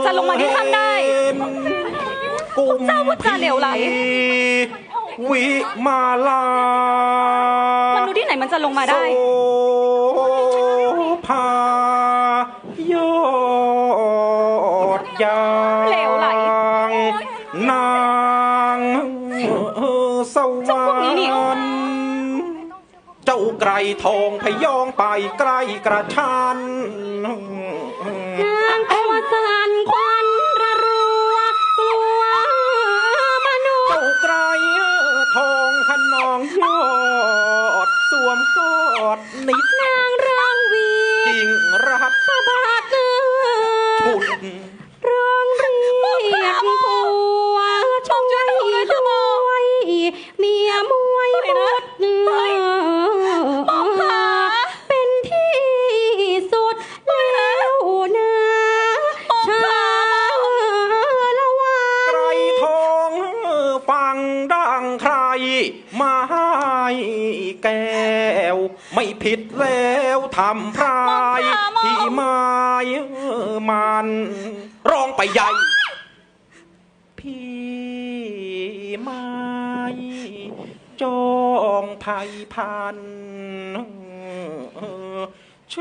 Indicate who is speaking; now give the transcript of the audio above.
Speaker 1: จะลงมาที่ถ้ำได้เจ้าพูดจาเหลวไหล
Speaker 2: วิมาลาม
Speaker 1: นุษย์ที่ไหนมันจะลงมาได้
Speaker 2: พายอดยาง
Speaker 1: เหลวไหล
Speaker 2: นางสวรรค์เจ้าไกรทองพยองไปใกล้กระชัน
Speaker 1: นางตัวสั่นควันระรัวกลัวมนุษย์
Speaker 2: เจ้าไกรทองขนองยอดสวมกอดนิด
Speaker 1: นางร้องวี
Speaker 2: จริงรัก
Speaker 1: สะบัด
Speaker 2: ชุด
Speaker 1: ร้องเรียกผัวช่วยด้วยเมียมวยหมดเนื้อเป็นที่สุดแล้วนะชาละวัน
Speaker 2: ไกรทองฟังดังใครมาให้แก้วไม่ผิดแล้วทำพรายที่ไม้มันร้องไปใหญ่พี่ไม้จองภัยพัน